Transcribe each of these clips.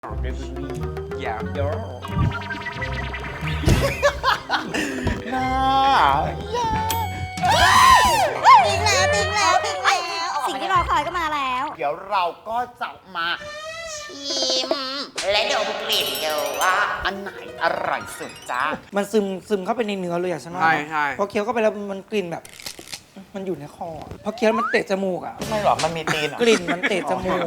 เดลิเวอรี่อย่าเยอะน่าติ๊งแล้วสิ่งที่รอคอยก็มาแล้วเดี๋ยวเราก็จะมาชิม และเดี๋ยวกลิ่นดูว่าอันไหนอร่อยสุดจ้ามันซึมเข้าไปในเนื้อเลยอะฉันว่าใช่พอเคี้ยวเข้าไปแล้วมันกลิ่นแบบ มันอยู่ในคอพอเคี้ยวมันเตะจมูกอะไม่หรอกมันมีตีนเหรอกลิ่นมันเตะจมูก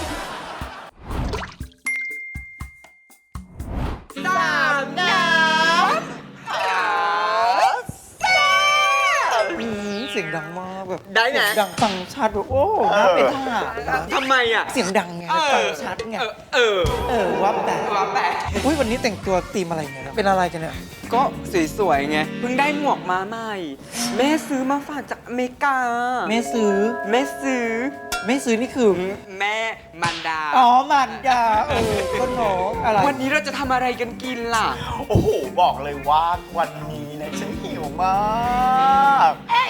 สามน้ำหาแซ่บเสียงดังมากแบบได้ไงเสียงดังฟังชัดแบบโอ้น่าเป็นทหารนะทำไมอ่ะเสียงดังไงฟังชัดไง ว่าแต่ว่าแต่อุ้ยวันนี้แต่งตัวธีมอะไรเนี่ยเป็นอะไรกันเนี่ยก็สวยๆไง เพิ่งได้หมวกมาใหม่ แม่ซื้อมาฝากจากอเมริกาแม่ซื้อแม่ซื้อแม่ซื้อนี่คือแม่มันดาอ๋อมันดาต้นหนออะไรวันนี้เราจะทำอะไรกันกินล่ะโอ้โห บอกเลยว่าวันนี้นะฉันหิวมาก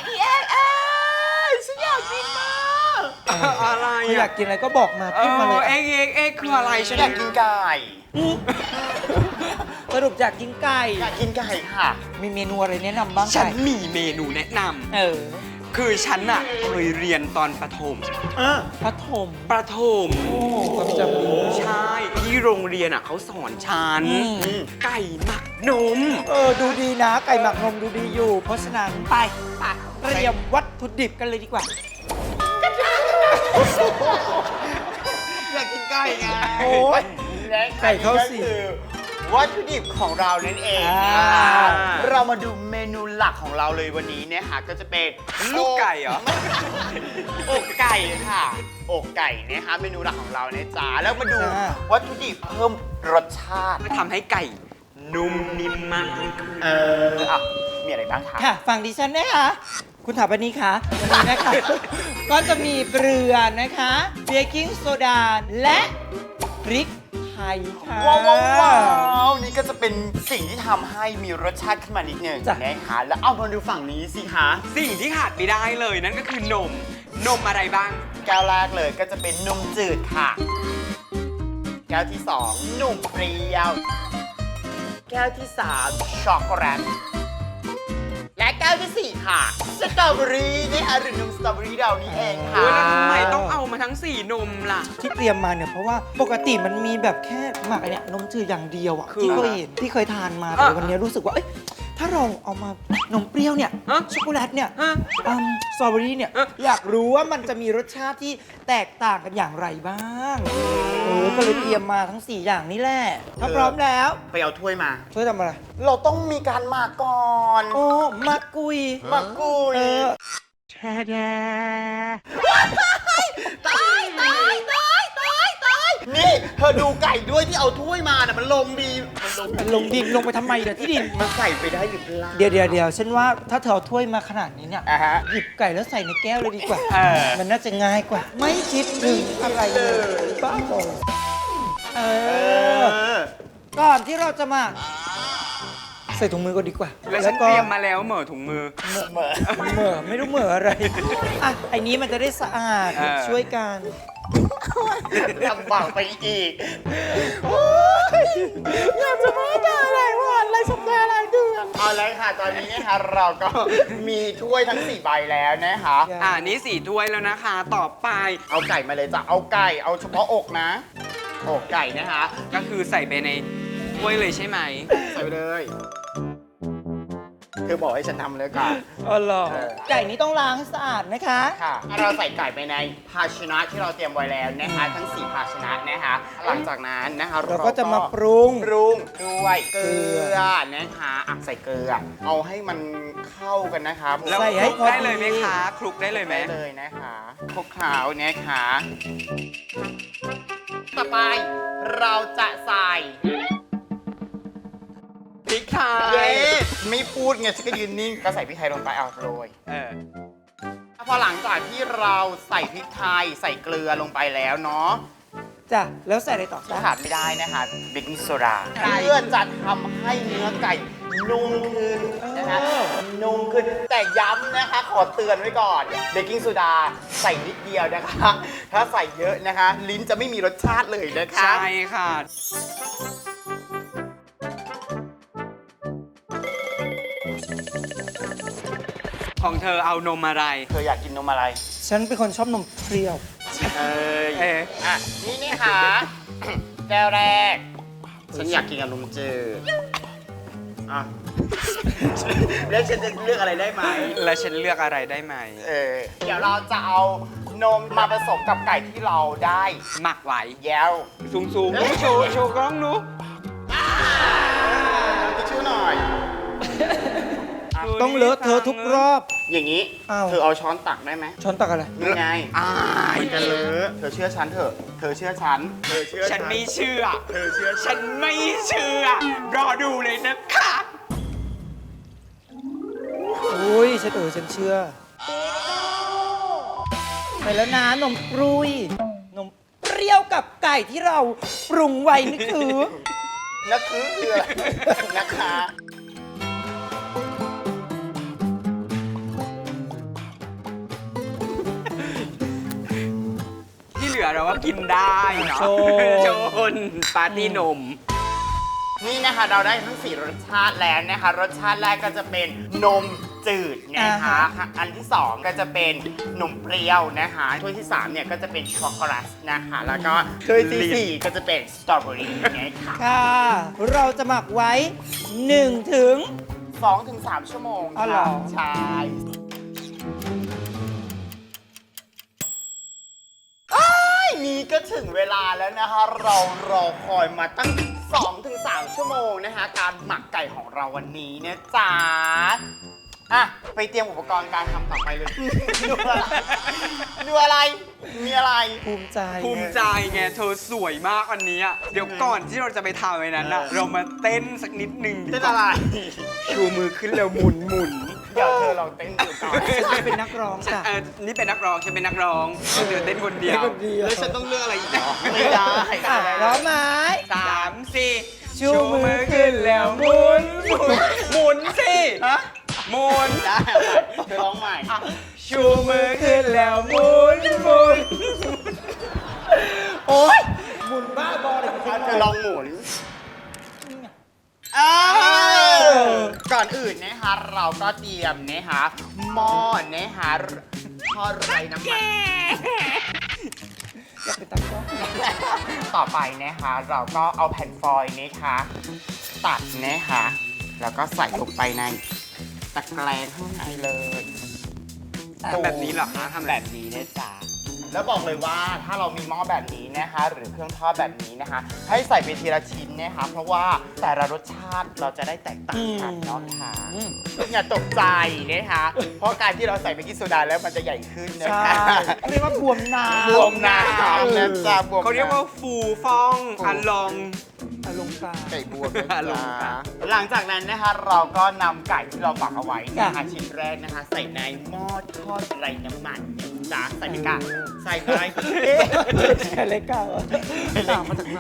ฉันอยากกินมากอะไรถ้าอยากกินอะไรก็บอกมาพูดมาเลยเอ็กคืออะไรฉันอยากกินไก่สรุปอยากกินไก่อยากกินไก่ค่ะมีเมนูอะไรแนะนำบ้างฉันไก่มีเมนูแนะนเออำคือฉันอ่ะเคยเรียนตอนประถมพระถมประถมโอ้ความจำดีใช่ที่โรงเรียนอ่ะเขาสอนฉัน ไก่หมักนมดูดีนะ ไก่หมักนมดูดีอยู่ เพราะฉะนั้นไปเตรียมวัตถุดิบกันเลยดีกว่าอยากกินไก่ไงโอ้ยและไก่เข้าสิคือวัตถุดิบของเรานั่นเองอ่านะคะเรามาดูเมนูหลักของเราเลยวันนี้เนี่ยค่ะก็จะเป็นลูกไก่เหรออกไก่ค่ะอกไก่นะคะเมนูหลักของเราเนี่ยจ้าแล้วมาดูวัตถุดิบเพิ่มรสชาติก็ทำให้ไก่นุ่มนิ่มมากยิ่งขึ้นอ่ะมีอะไรบ้างคะค่ะฝั่งดิฉันนะคะ คุณถาปนีคะวันนี้นะคะ ก็จะมีเกลือนะคะเบกกิ้งโซดาและพริกไทยค่ะว้าวนี่ก็จะเป็นสิ่งที่ทำให้มีรสชาติขึ้นมานิดนึงจ้ะนะคะแล้วเอามาดูฝั่งนี้สิคะสิ่งที่ขาดไม่ได้เลยนั่นก็คือนม นมอะไรบ้างแก้วแรกเลยก็จะเป็นนมจืดค่ะ แก้วที่2นมเปรี้ยว แก้วที่3ช็อกโกแลตและแก้วที่4ค่ะสตรอเบอรี่นะคะหรือนมสตรอเบอรี่เรานี่เองค่ะโอ้ยแล้วทำไมต้องเอามาทั้ง 4 นมล่ะที่เตรียมมาเนี่ยเพราะว่าปกติมันมีแบบแค่หมักไอเนี่ยนมจืดอย่างเดียวอะคือที่เคยเห็นที่เคยทานมาแต่วันนี้รู้สึกว่าเอ้ยถ้าเราเอามานมเปรี้ยวเนี่ยฮะช็อกโกแลตเนี่ยฮะสตรอเบอรี่เนี่ยฮะอยากรู้ว่ามันจะมีรสชาติที่แตกต่างกันอย่างไรบ้างก็เลยเตรียมมาทั้ง 4 อย่างนี้แหละถ้าพร้อมแล้วไปเอาถ้วยมาช่วยทำอะไรเราต้องมีการหมักก่อนโอ้มากุยหมักกุยเออนี่เธอดูไก่ด้วยที่เอาถ้วยมาน่ะมันลงดีมันลงลงดินลงไปทำไมเดี๋ยวที่ดินมันใส่ไปได้หรือเปล่าเดี๋ยวฉันว่าถ้าเธอเอาถ้วยมาขนาดนี้เนี่ยอ่ะฮะหยิบไก่แล้วใส่ในแก้วเลยดีกว่าเออมันน่าจะง่ายกว่า ไม่คิดถึงอะไรเลยบ้าบอเออ ก่อนที่เราจะมา ใส่ถุงมือก็ดีกว่าแล้วฉันเตรียมมาแล้วเหม่อถุงมือเหมือนเหม่อไม่รู้เหม่ออะไร อ่ะไอ้นี้มันจะได้สะอาดเออช่วยกันลำบากไปอีกอยากจะมาด่าอะไรวันอะไรสัปดาห์อะไรเดือนเอาเลยค่ะ ตอนนี้นะคะเราก็มีถ้วยทั้ง 4 ใบแล้วนะคะนี่4 ถ้วยแล้วนะคะ ต่อไปเอาไก่มาเลยจ้ะ เอาไก่ เอาเฉพาะอกนะ อกไก่นะคะก็คือใส่ไปในถ้วยเลยใช่ไหมใส่ไปเลย เธอบอกให้ฉันทำเลยค่ะอ๋อเหรอเออไก่นี้ต้องล้างให้สะอาดนะคะค่ะเราใส่ไก่ไปในภาชนะที่เราเตรียมไว้แล้วนะคะ ทั้ง 4 ภาชนะนะคะ หลังจากนั้นนะคะเราก็จะมาปรุงด้วยเกลือนะคะอ่ะใส่เกลือ เอาให้มันเข้ากันนะคะแล้วใส่คให้ลุกพอดีได้เลยไหมคะ คลุกได้เลยไหมได้เลยนะคะคลุกเคล้านะคะต่อไปเราจะใส่พริกไทเย้ยไม่พูดไงฉันก็ยืนนิ่งก็ใส่พริกไทยลงไปเอาโรยเออพอหลังจากที่เราใส่พริกไทยใส่เกลือลงไปแล้วเนาะจ้ะ แล้วใส่อะไรต่อจ้ะขาดไม่ได้นะคะเบกกิ้งโซดาเพื่อจะทำให้เนื้อไก่นุ่มขึ้นนะคะนุ่มขึ้นแต่ย้ำนะคะขอเตือนไว้ก่อนเบกกิ้งโซดาใส่นิดเดียวนะคะ ถ้าใส่เยอะนะคะ ลิ้นจะไม่มีรสชาติเลยนะคะใช่ค่ะ ของเธอเอานมอะไรเธออยากกินนมอะไรฉันเป็นคนชอบนมเปรี้ยวเอ้ยเอ๊ะอ่ะนี่ค่ะ แก้วแรก ฉันอยากกินกับนมจืดอ่ะ แล้วฉันจะเลือกอะไรได้ไหมแล้วฉันเลือกอะไรได้ไหมเดี๋ยวเราจะเอานมมาผสมกับไก่ที่เราได้หมักไว้แย้วสูงๆโชว์โชว์กล้องหนูทิชชู่หน่อยต้องเลอะเธอะทุกรอบอย่างนี้อ้าวเธอเอาช้อนตักได้ไหมช้อนตักอะไรนี่ไงอ้ายมันจะเลอะเธอเชื่อฉันเถอะ เธอเชื่อฉัน เธอเชื่อฉันไม่เชื่อเธอเชื่อฉันไม่เชื่อ รอดูเลยนะคะอุ้ยฉันเชื่อไปแล้วนะนมปรุย นมเปรี้ยวกับไก่ที่เราปรุงไว้นี่คือนักคืออะไรนะคะที่เหลือเราก็กินได้เนาะโชนนปาร์ตี้นมนี่นะคะเราได้ทั้ง 4 รสชาติแล้วนะคะ รสชาติแรกก็จะเป็นนมจืดนะคะ อันที่ 2 ก็จะเป็นนมเปรี้ยวนะคะถ้วยที่ 3 เนี่ยก็จะเป็นช็อกโกแลตนะคะ แล้วก็ถ้วยทีสี่ 4 ก็จะเป็นสตรอเบอรี่นะคะค่ะ เราจะหมักไว้ 1 ถึง 2-3 ชั่วโมงอ๋อเหรค่ะอใช่นี่ก็ถึงเวลาแล้วนะคะ เรารอคอยมาตั้ง 2-3 ชั่วโมงนะคะ การหมักไก่ของเราวันนี้นะจ๊ะอ่ะ ไปเตรียมอุปกรณ์การทำต่อไปเลย ดูอะไรดูอะไร มีอะไรภูมิใจภูมิใจไงเธอสวยมากวันนี้อะเดี๋ยวก่อนที่เราจะไปทำไอ้นั้นอะเรามาเต้นสักนิดนึงดีเป็นกว่าอะไรชูมือขึ้นแล้วหมุนเดี๋ยวเธอลองเต้นดูก่อนฉันเป็นนักร้องจ้ะนี่เป็นนักร้องฉันเป็นนักร้องเธอเต้นคนเดียวคนเดียวแล้วฉันต้องเลือกอะไรอีกเหรอไม่ได้อ่ะพร้อมไหม 3-4 ชูมือขึ้นแล้วหมุนหมุนสิฮะหมุนได้เธอร้องใหม่ชูมือขึ้นแล้วหมุนโอ๊ยหมุนบ้าบอเลยเธอลองหมุนก่อนอื่นนะคะเราก็เตรียมนะคะหม้อนะคะทอดไร้น้ำมันอยากเป็นตักร้องต่อไปนะคะเราก็เอาแผ่นฟอยล์นะคะตัดนะคะแล้วก็ใส่ลงไปในตะแกรงข้างในเลยทำแบบนี้เหรอคะทำแบบนี้นะจ๊ะแล้วบอกเลยว่าถ้าเรามีหม้อแบบนี้นะคะ หรือเครื่องทอดแบบนี้นะคะ ให้ใส่ไปทีละชิ้นนะคะ เพราะว่าแต่ละรสชาติเราจะได้แตกต่างกันเนาะค่ะอย่าตกใจนะคะ เพราะการที่เราใส่เบกกิ้งโซดาแล้วมันจะใหญ่ขึ้นนะใช่คะเรียกว่าบวมน้ำบวมน้ำนะจ๊ะบวมเขาเรียกว่าฟูฟองอันลองอารมณ์กลางไก่บวมนะลงจ๊ะค่ะหลังจากนั้นนะคะเราก็นำไก่ที่เราหมักเอาไว้นะคะจ้ะชิ้นแรกนะคะ ใส่ในหม้อทอดไร้น้ำมันนะจ๊ะใส่ไปกะใส่ไปแค่เล็กก้าวต่างมาจากไหน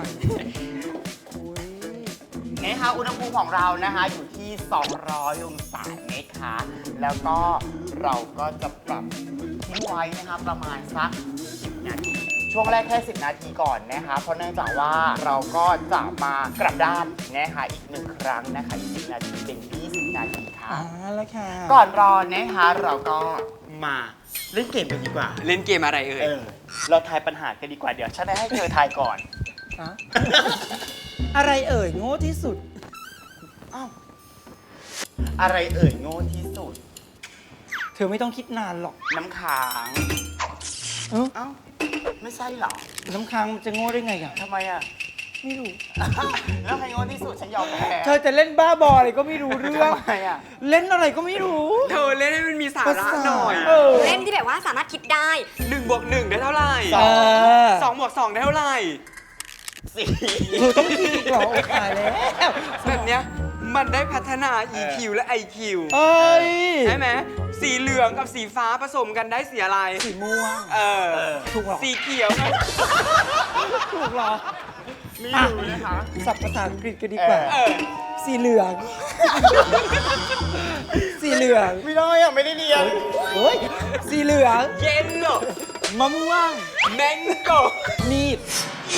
นะคะอุณหภูมิของเรานะคะอยู่ที่ 200 องศานะคะ แล้วก็เราก็จะปรับทิ้งไว้นะคะประมาณสัก 10 นาที ช่วงแรกแค่ 10 นาทีก่อนนะคะ เพราะเนื่องจากว่าเราก็จะมากลับด้านนะคะอีก 1 ครั้งนะคะอีก10 นาทีเป็น 20 นาทีค่ะแล้วค่ะก่อนรอนะคะเราก็มาเล่นเกมกันดีกว่าเล่นเกมอะไรเอ่ยเราทายปัญหากันดีกว่าเดี๋ยวฉันให้เธอทายก่อนฮะอะไรเอ่ยโง่ที่สุดอ้าวอะไรเอ่ยโง่ที่สุดเธอไม่ต้องคิดนานหรอกน้ำค้างเอ้าเอ้าไม่ใช่เหรอน้ำค้างมันจะโง่ได้ไงอ่ะทำไมอ่ะไม่รู้แล้วใครโง่ที่สุดฉันยอมแพ้เธอจะเล่นบ้าบออะไรก็ไม่รู้เรื่องทำไมอ่ะเล่นอะไรก็ไม่รู้เธอเล่นให้มันมีสาระหน่อยเออเล่นที่แบบว่าสามารถคิดได้ 1+1 ได้เท่าไหร่สอง 2+2 ได้เท่าไหร่สี่เธอต้องคิดอีกเหรอโอ้ตายแล้วแบบเนี้ยมันได้พัฒนา EQ และ IQ เอ้ยใช่ไหมสีเหลืองกับสีฟ้าผสมกันได้สีอะไรสีม่วง ถูกหรอสีเขียวถูกหรอไม่รู้นะคะศัพท์ภาษาอังกฤษก็ดีกว่า สีเหลือง สีเหลืองไม่ได้อ่ะ ไม่ได้เรียนเฮ้ย สีเหลืองเย็นเหรอมะม่วงแมงโกมีด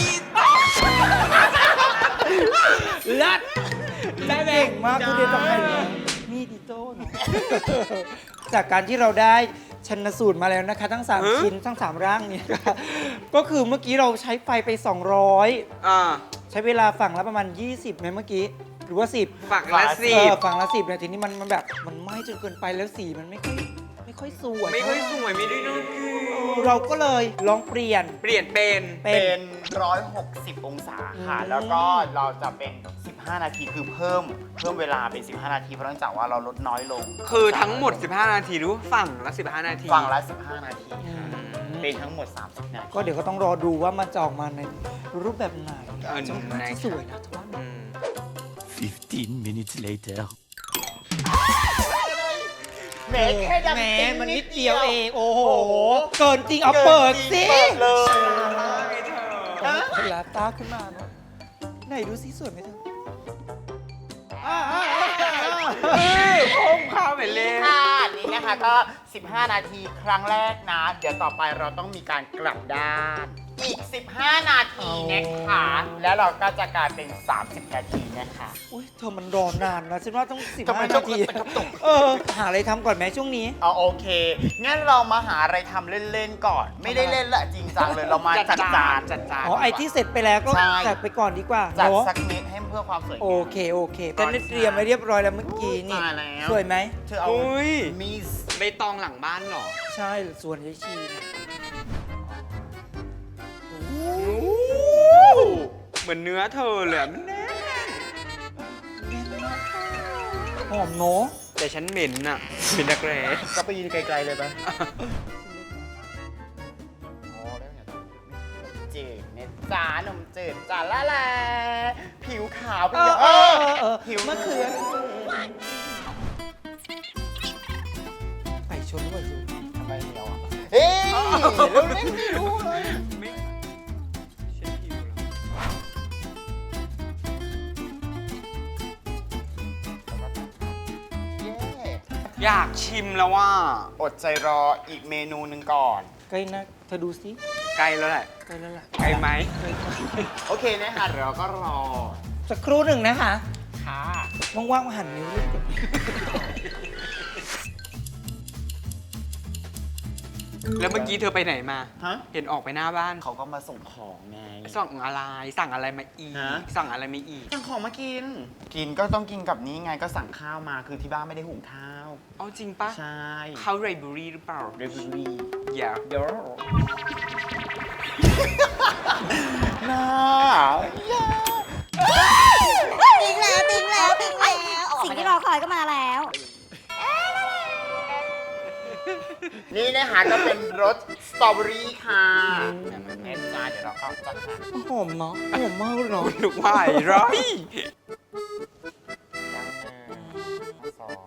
ลัดได้เก่งมากคุณเดียต้องไปมีดอิโต้เนอะจากการที่เราได้ชันสูตรมาแล้วนะคะ ทั้ง 3 ชิ้นทั้ง 3 ร่างเนี่ยค่ะก็คือเมื่อกี้เราใช้ไฟไป 200 ใช้เวลาฝั่งละประมาณ 20ไหมเมื่อกี้ หรือว่า 10 ฝักละสิบฝั่งละ 10เนี่ยทีนี้มันแบบมันไหม้จนเกินไปแล้วสีมันไม่ค่อยสวยไม่ค่อยสวยไม่ได้ดูเราก็เลยลองเปลี่ยนเปลี่ยนเป็นเป็น 160 องศาค่ะ แล้วก็เราจะเป็น 15 นาทีคือเพิ่มเวลาเป็น 15 นาที เพราะเนื่องจากว่าเราลดน้อยลงคือทั้งหมด 15 นาทีหรือว่าฝั่งละ 15 นาทีฝั่งละ 15 นาทีค่ะเป็นทั้งหมด 30 นาทีก็เดี๋ยวก็ต้องรอดูว่ามันจะออกมาในรูปแบบไหน จะน่าไหนจะสวยนะทว่าอืม 15 minutes later. แหมแค่ดังแหมติ๊งมันนินิดดเดีเดียยว วเอเอง ง โอ้โห เกินจริงเอากินเปิดสิเปิดเลยเวลาตาขึ้นมาเนอะไหนดูสิสวยไหมเธอพุ่งเข้าไปเลยค่ะนี่นะคะก็ 15 นาทีครั้งแรกนะ เดี๋ยวต่อไปเราต้องมีการกลับด้าน อีก 15 นาทีนะคะ แล้วเราก็จะกลายเป็น 30 นาทีนะคะอุ้ยเธอมันรอนานนะฉันว่าต้องทำไม 15 ต้อนาง ทีกระตุกหาอะไรทำก่อนไหมช่วงนี้เอาโอเค งั้นเรามาหาอะไรทำเล่น ๆ ก่อน ไม่ได้เล่นละจริงจังเลย เรามาจัดจานอ๋อ ไอที่เสร็จไปแล้วก็ใช่จัดไปก่อนดีกว่าจัดเนาะสักนิดให้เพื่อความสวยงามโอเคแต่นี่เตรียมไว้เรียบร้อยแล้วเมื่อกี้นี่ตายแล้วสวยไหมเธอเอาอุ้ยมีสใบตองหลังบ้านเหรอใช่ส่วนยายชีนะเหมือนเนื้อเธอเลยอะมันแน่หอมเนาะแต่ฉันเหม็นอะเหม็นนักแร้ก็ไปยืนไกล ๆ เลยปะจืดเนี่ยจ้านมจืดจ้าละแลผิวขาวเป็นอย่างผิวมะเขือไก่ชนด้วยสิทำไมเหนียวอ่ะเฮ้ยเราเล่นไม่รู้เลยไม่ฉันหิวแล้วเย้อยากชิมแล้วว่าอดใจรออีกเมนูหนึ่งก่อนใกล้นะเธอดูสิใกล้แล้วแหละใกล้แล้วล่ะใกล้ไหมโอเคนะคะเดี๋ยวเราก็รอสักครู่หนึ่งนะคะค่ะว่างๆมาหั่นนิ้วลูกแล้วเมื่อกี้เธอไปไหนมาฮะเห็นออกไปหน้าบ้านเขาก็มาส่งของไงสั่งอะไร สั่งอะไรมาอีกฮะสั่งอะไรมาอีกสั่งของมากิน กินก็ต้องกินกับนี้ไงก็สั่งข้าวมาคือที่บ้านไม่ได้หุงข้าวเอาจริงปะใช่ข้าวไรเบอรี่หรือเปล่าเรบิรี่อย่าเดี๋ยวน่าอย่าติ๊งแล้วติ๊งแล้วติ๊งแล้วสิ่งที่รอคอยก็มาแล้วนี่นะคะก็เป็นรสสตรอเบอรี่ค่ะแม่จ้าเดี๋ยวเราก็จะหั่นหอมเนาะหอมมากเลยเนาะถูกว่าไอ้ร้อยตั้งหนึ่งสอง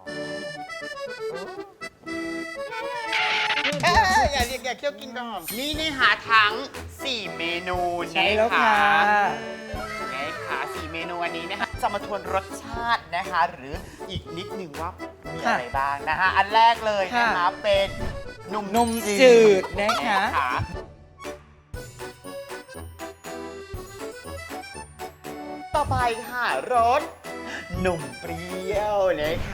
อย่าเรียกอย่าเคี่ยวกินก่อนนี่นะคะทั้ง 4 เมนูใช่แล้วค่ะนี่ค่ะ4 เมนูอันนี้นะคะจะมาทวนรสชาตินะคะ หรืออีกนิดหนึ่งว่ามีอะไรบ้างนะคะ อันแรกเลยนะคะเป็นนมจืดนะคะต่อไปค่ะรสนมเปรี้ยวนะคะ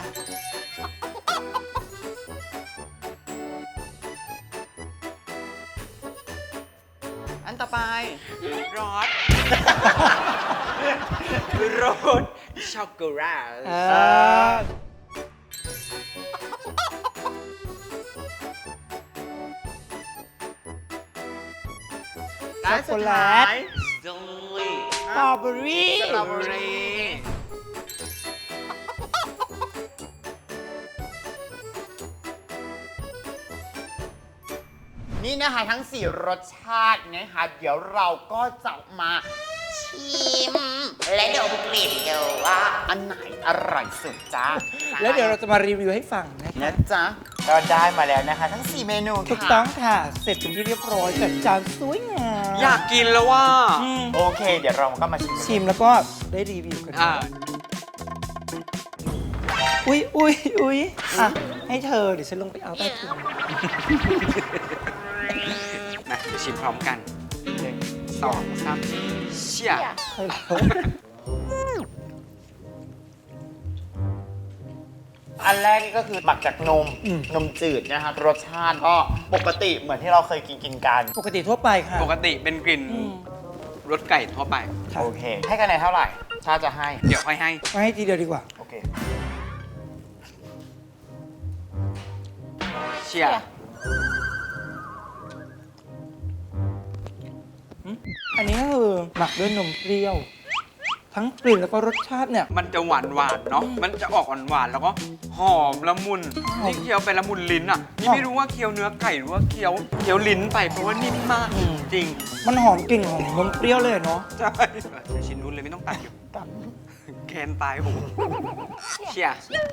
อันต่อไปรสรสช็อกโกแลตและสุดท้ายโดยสตรอเบอรี่สตรอเบอรี่ นี่นะคะทั้ง 4 รสชาตินะคะ เดี๋ยวเราก็จะมาชิมและเดี๋ยวกลิ่นเดี๋ยวว่าอันไหนอร่อยสุดจ้าแล้วเดี๋ยวเราจะมารีวิวให้ฟังนะคะนะจ๊ะก็ได้มาแล้วนะคะ ทั้ง 4 เมนูค่ะถูกต้องค่ะ เสร็จเป็นที่เรียบร้อยจัดจานสวยงามอยากกินแล้วว่าโอเค เดี๋ยวเราก็มาชิมชิมแล้วก็ได้รีวิวกันอ่าอุ๊ยอ่ะให้เธอเดี๋ยวฉันลงไปเอาใต้ถุนมาเดี๋ยวชิมพร้อมกัน1 2 3เชี่ยใช่แล้วอันแรกนี่ก็คือหมักจากนมจืดนะคะรสชาติก็ปกติเหมือนที่เราเคยกินกันปกติทั่วไปค่ะปกติเป็นกลิ่นรสไก่ทั่วไปค่ะโอเค ให้คะแนนเท่าไหร่ชาจะให้เดี๋ยวค่อยให้มาให้ทีเดียวดีกว่าโอเคเชี่ยอันนี้ก็คือหมักด้วยนมเปรี้ยว ทั้งกลิ่นแล้วก็รสชาติเนี่ยมันจะหวานเนาะ มันจะออกหวานๆแล้วก็หอมละมุนหอมนี่เคี้ยวไปละมุนลิ้นอ่ะ นี่ไม่รู้ว่าเคี้ยวเนื้อไก่หรือว่าเคี้ยวลิ้นไปเพราะว่านิ่มมากจริงมันหอมกลิ่นของนมเปรี้ยวเลยเนาะใช่ชิ้นนู้นเลยไม่ต้องตัดอยู่แคนตายโหเชี่ย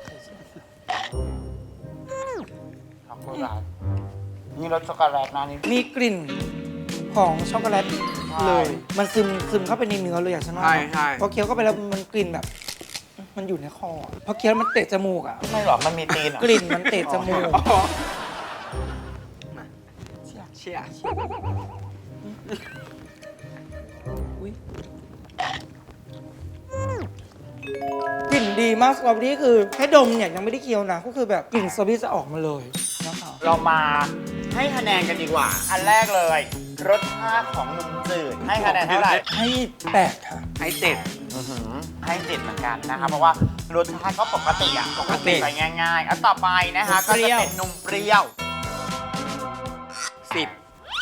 ช็อกโกแลตนี่รสช็อกโกแลตนะนี่มีกลิ่นของช็อกโกแลตเลย มันซึมเข้าไปในเนื้อเลยอะฉันว่าใช่พอเคี้ยวเข้าไปแล้วมันกลิ่นแบบ มันอยู่ในคอพอเคี้ยวมันเตะจมูกอะไม่หรอกมันมีตีนเหรอกลิ่นมันเตะจมูกอ๋อมาเชี่ยอุ๊ยกลิ่นดีมากสตรอเบอรี่คือแค่ดมเนี่ยยังไม่ได้เคี้ยวนะก็คือแบบกลิ่นสตรอเบอรี่จะออกมาเลยนะคะเรามาให้คะแนนกันดีกว่า อันแรกเลย รสชาติของนมจืดให้คะแนนเท่าไหร่ให้8ค่ะให้เจ็ดให้7เหมือนกันนะคะเพราะว่ารสชาติก็ปกติอ่ะปกติไปง่ายๆอันต่อไปนะคะนมก็เปรี้จะยวเป็นนมเปรี้ยว 10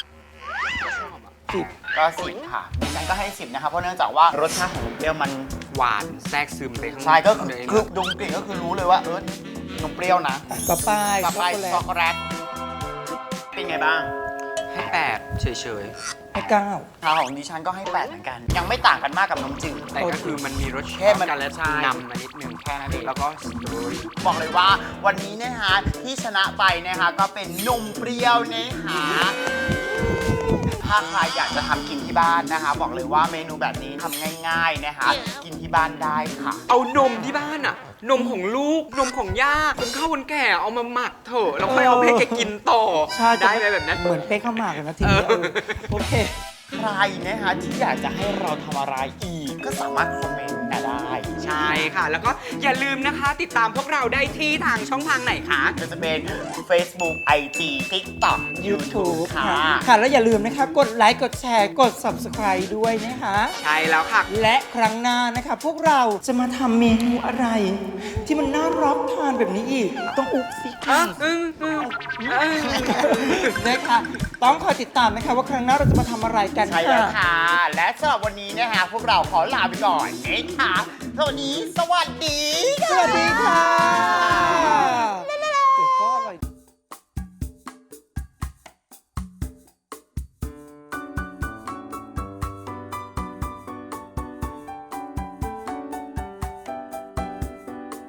10 ก็10ค่ะดิฉันก็ให้10นะคะเพราะเนื่องจากว่ารสชาติของนมเปรี้ยวมันหวานแทรกซึมไปข้างในใช่ก็คือเลยคือดมกลิ่นก็คือรู้เลยว่าเออนมเปรี้ยวนะต่อไปต่อไปช็อกโกแลตช็อกโกแลตเป็นไงบ้างให้8เฉยให้9 ทางของดิฉันก็ให้8เหมือนกัน ยังไม่ต่างกันมากกับนมจืดๆ แต่ก็คือมันมีรสแค่ชาติมันกันและใช่นำมานิดนึงแค่นั้นเองแล้วก็สตรอเบอรี่บอกเลยว่าวันนี้นะคะที่ชนะไปนะคะก็เป็นนมเปรี้ยวนะคะถ้าใครอยากจะทำกินที่บ้านนะคะ บอกเลยว่าเมนูแบบนี้ทำง่ายๆนะคะ กินที่บ้านได้ค่ะเอานมที่บ้านอะนมของลูก นมของย่าคนเข้าคนแก่เอามาหมักเถอะแล้วค่อยเอาไปให้แกกินต่อใช่ได้ไหมแบบนั้นเหมือนเป๊กข้าวหมากเลยนะทีเดียวเออโอเคใครนะคะที่อยากจะให้เราทำอะไรอีก ก็สามารถคอมเมนต์มาได้ใช่ค่ะ แล้วก็อย่าลืมนะคะ ติดตามพวกเราได้ที่ทางช่องทางไหนคะก็จะเป็น Facebook IG TikTok YouTube ค่ะค่ะ แล้วอย่าลืมนะคะ กดไลค์ กดแชร์ กด Subscribe ด้วยนะคะใช่แล้วค่ะและครั้งหน้านะคะ พวกเราจะมาทำเมนูอะไร ที่มันน่ารับทานแบบนี้อีก ต้องอุ๊บสิค่ะนะคะต้องคอยติดตามนะคะ ว่าครั้งหน้าเราจะมาทำอะไรกันใช่แล้วค่ะค่ะ และสำหรับวันนี้นะคะพวกเราขอลาไปก่อนนะคะสวัสดีสวัสดีค่ะ